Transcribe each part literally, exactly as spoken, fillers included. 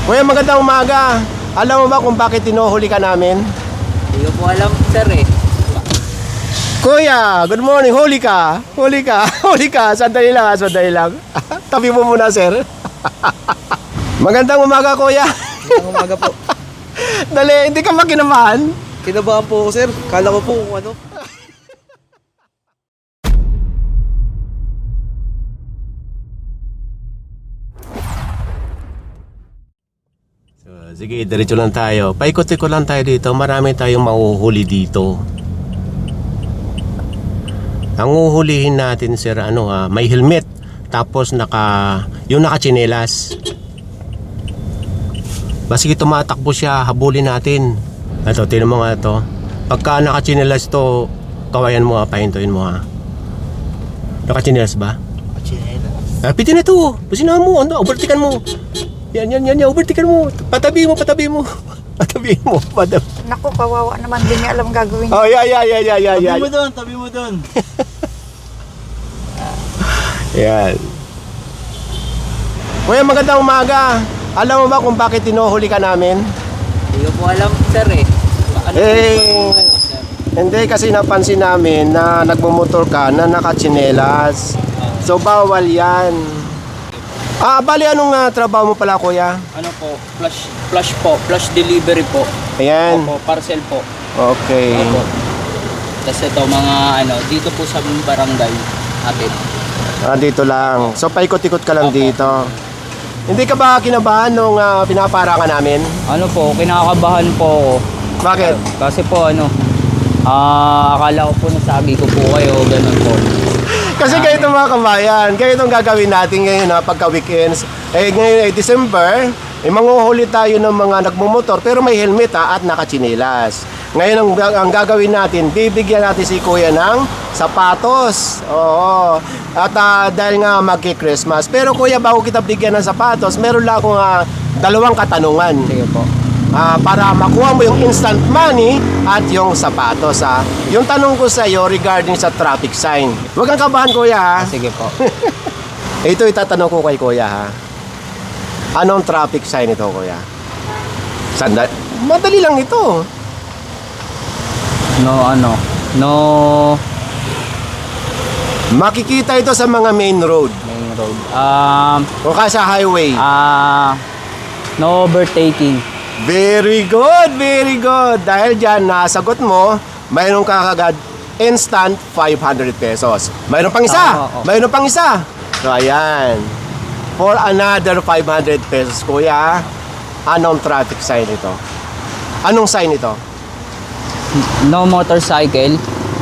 Kuya, magandang umaga. Alam mo ba kung bakit tinuhuli ka namin? Hindi ko po alam, sir eh. Kuya, good morning. Huli ka. Huli ka. Huli ka. Sandali lang, ha? Sandali lang. Tabi mo muna, sir. Magandang umaga, kuya. Magandang umaga po. Dali, hindi ka makinamahan. Kinabahan po ako, sir. Kala ko po kung ano. So, sige, diretso lang tayo. Paikot-ikot lang tayo dito. Marami tayong mahuhuli dito. Ang uhulihin natin, sir, ano ha, may helmet. Tapos naka, yung nakachinelas. Basige tumatakbo siya, habulin natin. Ito, tinan mo nga ito. Pagka nakachinelas to, kawayan mo ha, pahintuin mo ha. Nakachinelas ba? Chinelas. Ah, pitin na ito. Pasinahan mo, ano, overtikan mo. Yan, yan, yan, yan, overtikan mo. Patabi mo, patabi mo. Patabi mo, patabi. Naku, kawawa naman, di niya alam gagawin niya. Oh, yeah, yeah, yeah, yeah, yeah, yeah. Tabi mo doon, tabi mo doon. Yan. Kuya, magandang umaga. Alam mo ba kung bakit tinuhuli ka namin? Hindi ko po alam, sir eh. Ano Eh, po, ano, sir? Hindi, kasi napansin namin na nagmumotor ka na nakachinelas. So, bawal yan. Ah, bali, anong uh, trabaho mo pala, kuya? Ano po, flash, flash po, flash delivery po. Ayan. Opo, parcel po. Okay. Opo. Tapos ito mga ano, dito po sa barangay atin. Ah, dito lang. So, paikot-ikot ka lang Opo. dito. Hindi ka ba kinabahan nung uh, pinapara ka namin? Ano po, kinakabahan po ako. Bakit? Kasi po ano, ah, akala ko po nasabi ko po kayo, ganun po. Kasi ganito mga kabayan, ganito ang gagawin natin ngayon ha, pagka weekends. Eh ngayon ay December, eh manguhuli tayo ng mga nagmumotor pero may helmet ha, at nakachinelas. Ngayon ang, ang gagawin natin, bibigyan natin si kuya ng sapatos. Oo. At uh, dahil nga magki-Christmas. Pero kuya, bago kita bigyan ng sapatos, meron lang akong uh, dalawang katanungan. Sige po. Ah, para makuha mo yung instant money at yung sapatos ha. Yung tanong ko sa iyo regarding sa traffic sign. Huwag kang kabahan, kuya ha. Ah, sige po. Ito itatanong ko kay kuya ha. Anong traffic sign ito, kuya? Sandali. Madali lang ito. No ano, no Makikita ito sa mga main road main road. Um, o kaya sa highway. ah, no overtaking. Very good, very good. Dahil dyan, nasagot mo, mayroon ka kagad instant five hundred pesos. Mayroon pang isa. Oo, oo. Mayroon pang isa. So, ayan. For another five hundred pesos, kuya, anong traffic sign ito? Anong sign ito? No motorcycle.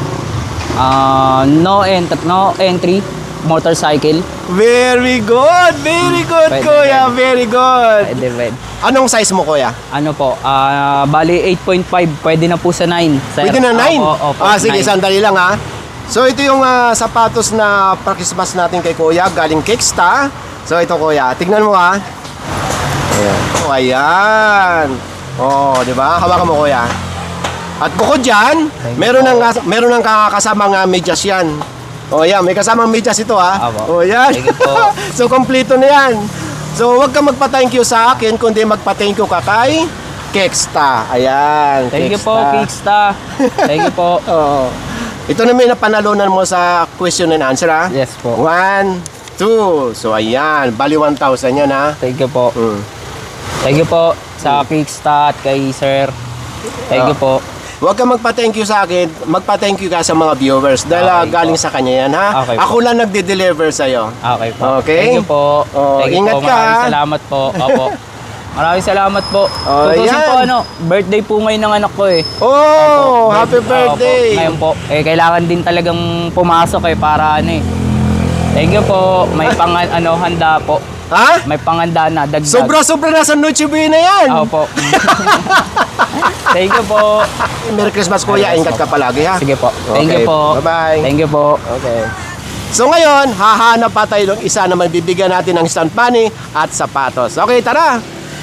Ah, no ent no entry motorcycle. Very good, very good, Pwede, kuya. pwede. Very good. Pwede, pwede. Anong size mo, kuya? Ano po? Ah, bali eight point five, pwede na po sa nine. Sir. Pwede na nine? Opo, opo, Ah, sige, nine. sandali lang ha. So, ito yung ah, sapatos na pa-Christmas natin kay kuya, galing Kicksta. So, ito kuya, tignan mo ha. Ayan. Oh, ayan. Oh, di ba? Hawakan mo, kuya. At bukod dyan, Thank you meron po. ng, meron ng kasamang uh, medyas yan. Oh, yan. May kasamang medyas ito ha. Apo. Oh, yan. Thank you po. So, kompleto na yan. So, huwag ka magpa-thank you sa akin, kundi magpa-thank you ka kay Kicksta. Ayan. Thank you po, Kicksta. Kicksta. Thank you po. Oo. Ito na may napanalunan mo sa question and answer ha. Yes po. One, two. So, ayan. Bali one thousand yan ha. Thank you po. Mm. Thank you po sa Kicksta at kay Sir. Thank you po. Huwag ka magpa-thank you sa akin, magpa-thank you ka sa mga viewers dahil ah, Okay galing po. sa kanya yan ha. Okay po. Ako lang nagde-deliver sa'yo. Okay po. Okay. Thank you po. Oh, Thank you ingat po. ka, Maraming ha? salamat po. Opo. Maraming salamat po. Oh, Tutusin yan. po ano, birthday po ngayon ng anak ko eh. Oh, Opo, happy birth- birthday. Opo, ngayon po. Eh, kailangan din talagang pumasok eh para ano eh. Thank you po. May pang ano, handa po. Ha? May panganda na, dagdag. Sobra-sobra na sa Noche Buena yan. Opo. Thank you po. Merry Christmas, kuya. Merry Ingat ka palagi ha. Sige po. Thank Okay. you po. Bye-bye. Thank you po. Okay. So ngayon, hahanap pa tayo ng isa na magbibigyan natin ng instant money at sapatos. Okay, tara!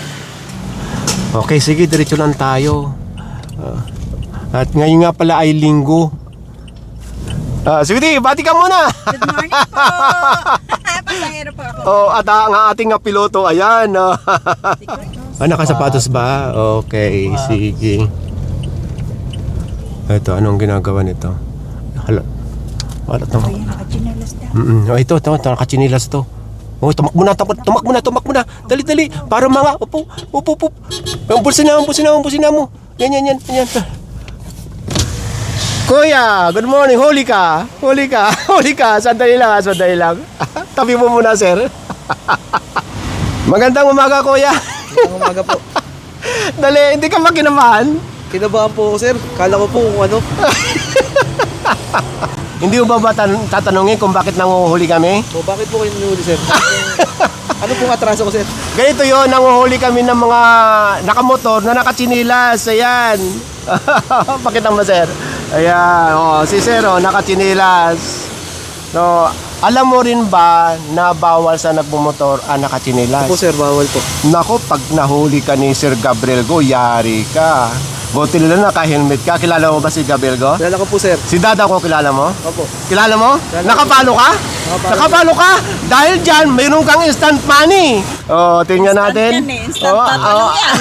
Okay, sige, diretso lang tayo. Ah, at ngayon nga pala ay linggo. Ah, sweetie, bati ka muna! Good morning po! Pasahero po ako. Oh, at ang ating nga piloto, ayan. ah. Secret, no? Ah, nakasapatos ba? Okay, sige. Ito, anong ginagawa nito? Hala. Wala to. Ay, nakachinelas na. Mm oh, ito, ito, ito, nakachinilas to. Oh, tumak muna, tumak, tumak muna, tumak muna. Dali, dali. Para mga, upo, upo, upo. Umpusin na, umpusin na, umpusin na mo. Yan, yan, yan, yan. Kuya, good morning. Huli ka. Huli ka. Huli ka. Sandali lang, ha, sandali lang. Tabi mo muna, sir. Magandang umaga, kuya. Magandang umaga po. Dali, hindi ka makinamahan. Kinabahan po ako, sir. Kala ko po kung ano. Hindi mo ba ba tan- tatanungin kung bakit nanguhuli kami? O, bakit po kayo nunuli, sir? Ano pong atraso ko, sir? Ganito yon, nanguhuli kami ng mga nakamotor na nakachinilas. Ayan. Pakita mo, sir. Ayan. Oh, si sir, oh, nakachinilas. No, alam mo rin ba na bawal sa nagmumotor ang nakachinilas? Po, sir, bawal po. Nako, pag nahuli ka ni Sir Gabriel Go, yari ka. Buti nila naka-helmet ka. Kilala mo ba si Gabriel Go? Kilala ko po, sir. Si Dada ko kilala mo? Opo. Kilala mo? Kilala Nakapalo ka? Nakapalo. Nakapalo ka? Dahil dyan, mayroon kang instant money. Oh, tingnan natin. yan eh. Instant oh, tatalo oh. yan.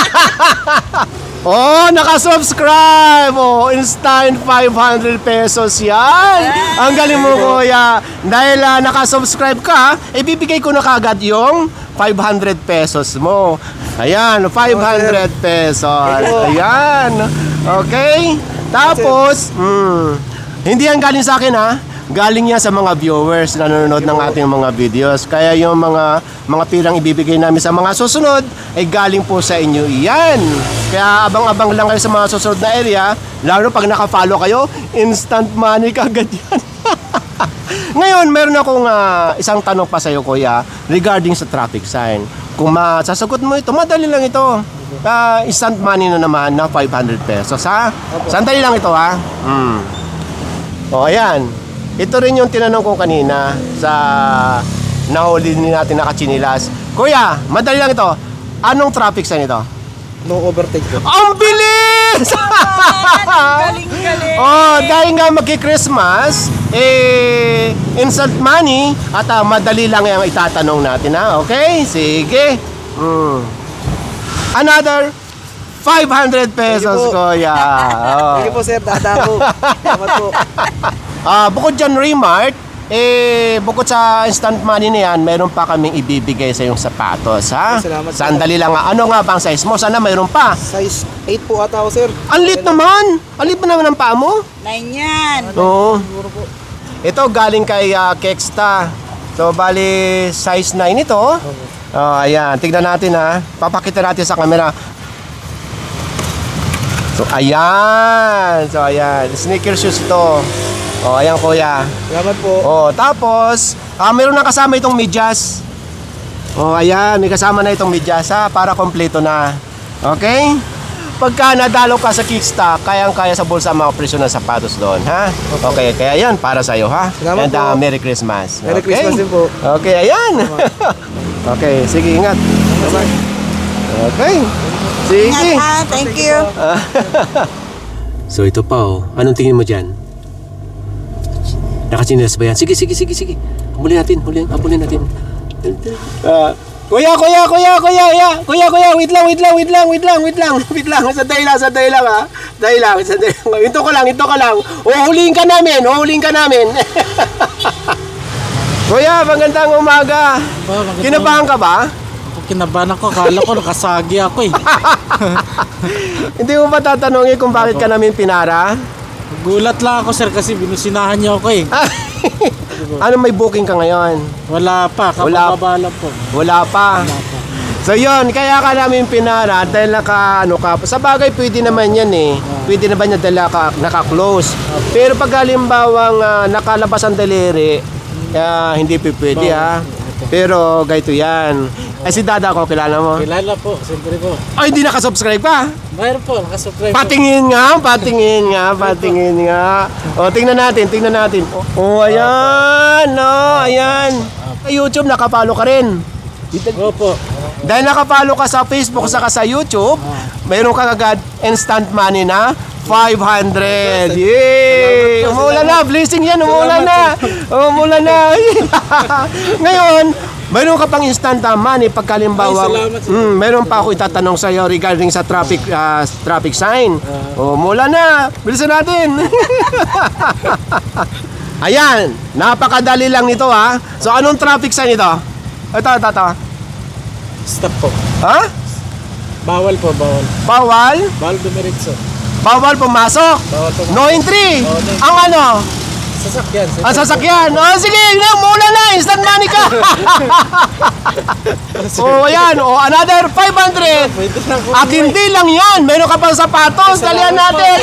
Oh, nakasubscribe. Oh, instant five hundred pesos yan. Ang galing mo, kuya. Dahil uh, nakasubscribe ka, ibibigay ko na kagad yung five hundred pesos mo. Ayan, five hundred pesos. Ayan. Okay? Tapos, mm, hindi yan galing sa akin, ha? Galing yan sa mga viewers na nanonood ng ating mga videos. Kaya yung mga mga pirang ibibigay namin sa mga susunod ay galing po sa inyo iyan. Kaya abang-abang lang kayo sa mga susunod na area. Lalo pag nakafollow kayo, instant money kagad yan. Ngayon, meron akong uh, isang tanong pa sa iyo, kuya, regarding sa traffic sign. Kung masasagot mo ito, madali lang ito. Uh, instant money na naman na five hundred pesos, ha? Sandali lang ito, ha? Hmm. O, ayan. Ito rin yung tinanong ko kanina sa nahuli ni natin nakachinilas. Kuya, madali lang ito. Anong traffic sign ito? No overtake po. Ang bilis! Galing, galing. Oh, dahil nga magki-Christmas, eh, instant money, at ah, madali lang yung itatanong natin, ha? Okay? Sige. Mm. Another five hundred pesos, Thank you po. kuya. Oh. Sige po, sir. Dada po. Salamat po. Ah, bukod dyan, Remart, eh, bukod sa instant money na yan, meron pa kaming ibibigay sa yung sapatos, ha? Salamat po. Sandali lang, ha? Ano nga bang size mo? Sana mayroon pa. Size eight po ata ako, sir. Ang lit naman! Ang lit pa naman ang paa mo. Nine yan. Oo. Siguro po. Ito galing kay uh, Kexta. So, bali, size nine ito. Oh, ayan. Tignan natin, ha. Papakita natin sa camera. So, ayan. So, ayan. Sneaker shoes ito. Oh, ayan, kuya. Salamat po. Oh, tapos, ah, meron na kasama itong medyas. Oh, ayan. May kasama na itong medyas, ha. Para kompleto na. Okay? Pagka nadalo ka sa Kickstock, kayang-kaya sa bulsa ang mga presyo ng sapatos doon, ha? Okay, kaya yan, para sa'yo, ha? Salamat And uh, po. Merry Christmas. Merry Okay? Christmas din po. Okay, ayan. Okay, sige, ingat. Okay. Sige. Ingat, ha. Thank you. So ito pa, oh. Anong tingin mo dyan? Nakachinelas ba yan? Sige, sige, sige, sige. Habulin natin, habulin, habulin natin. Ah, kuya, kuya, kuya, kuya, kuya, kuya, kuya, wait lang, wait lang, wait lang, wait lang, wait lang, wait lang, sandali lang, sandali lang, ha? Sandali lang, sandali lang. Ito ko lang, ito ko lang. Uhulihin ka namin, uhulihin ka namin. Kuya, magandang umaga. Oh, magandang- Kinabahan ka ba? Kinabahan ako, kala ko nakasagi ako eh. Hindi mo ba tatanungin kung bakit ka namin pinara? Gulat lang ako sir kasi binusinahan niyo ako eh. Ano, may booking ka ngayon? Wala pa, Wala. kapababa lang po. Wala pa. Wala pa. So yun, kaya ka namin pinara dahil naka, ano ka, sa bagay pwede naman yan eh. Pwede naman yan dahil naka, naka-close. Pero pag halimbawang uh, nakalabas ang daliri, uh, hindi pa pwede ha. Pero ganito yan. Ay si Dada ko, kilala mo? Kilala po, siyempre po. Ay, hindi nakasubscribe pa. Mayroon po, nakasubscribe po. Patingin nga, patingin nga, patingin nga. O, tingnan natin, tingnan natin. O, ayan, no, ayan. Sa YouTube, nakapalo ka rin. Opo. Dahil nakapalo ka sa Facebook, saka sa YouTube, mayroon ka agad instant money na five hundred. Yay! Umulan na, blessing yan, umulan na. Umulan na. Ngayon, mayroon ka pang instant uh, money pagkalimbawa. Ay, salamat, sir. Mm, mayroon pa ako itatanong sa iyo regarding sa traffic uh, traffic sign. Oh, mula na. Bilisan natin. Ayan, napakadali lang nito ha. So anong traffic sign ito? Ito, ito, ito. Stop po. Ha? Bawal po, bawal. Bawal? Bawal dumiretso. Bawal pumasok. Bawal pumasok. No entry. No entry. Ang ano? Sasakyan. sir. Ang sasakyan. Oh, sige, na, mula na. Instant money ka. Oh, ayan. Oh, another five hundred. Pwede na po. At hindi lang yan. Meron ka pang sapatos. Dalihan natin.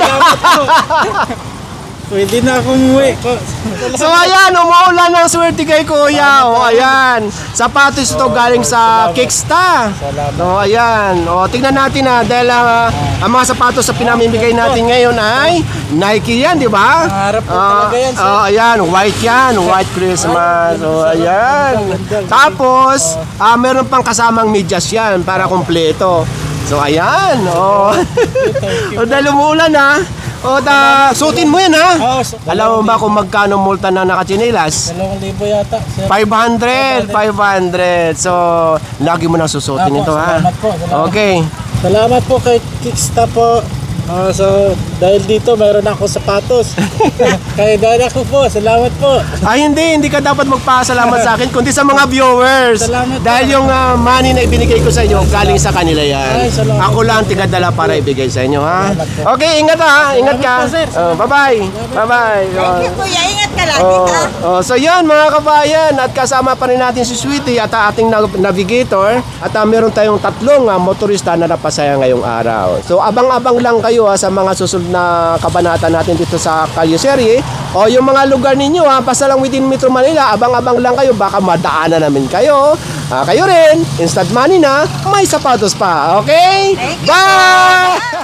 Pwede na akong umuwi. So ayan, umuulan ng swerte kay Kuya. O ayan, sapatos ito galing sa Kicksta. So ayan, o tingnan natin na dahil ah, ang mga sapatos sa pinamimigay natin ngayon ay Nike yan, di ba? Pangarap po Ah, talaga yan, sir. ah, ayan, white yan, white Christmas. So ayan. Tapos, ah, meron pang kasamang medyas yan para kumpleto. So ayan, o. O dahil umuulan ha. O da, suotin mo yan ha. Oo, so, Alam mo ba kung magkano multa na nakachinilas? Dalawang libo yata. Sir. five hundred, five hundred. So, lagi mo nang susutin Apo, ito ha. salamat po, salamat. Okay. Salamat po kay Kicksta po. Ah, so, dahil dito mayroon ako sapatos. Kaya dahil ako po, salamat po. Ay hindi, hindi ka dapat magpasalamat sa akin kundi sa mga viewers. Salamat po. Dahil yung ah, money na ibinigay ko sa inyo, galing sa kanila yan. Ay, salamat. Ako lang tigadala para ibigay sa inyo ha. Okay, ingat ha. Ingat ka. Salamat po, sir. Oh, bye-bye. Bye-bye. Thank you, kuya. Ingat ka lagi, Oh, ha? oh, so yan mga kabayan, at kasama pa rin natin si Sweetie at ang ating nav- navigator at uh, meron tayong tatlong uh, motorista na napasaya ngayong araw. So abang-abang lang kayo ha, sa mga susunod na kabanata natin dito sa Kalye Serie o yung mga lugar ninyo ha, basta lang within Metro Manila, abang-abang lang kayo, baka madaanan namin kayo. Uh, kayo rin, instant money na, may sapatos pa. Okay? Thank you. Bye!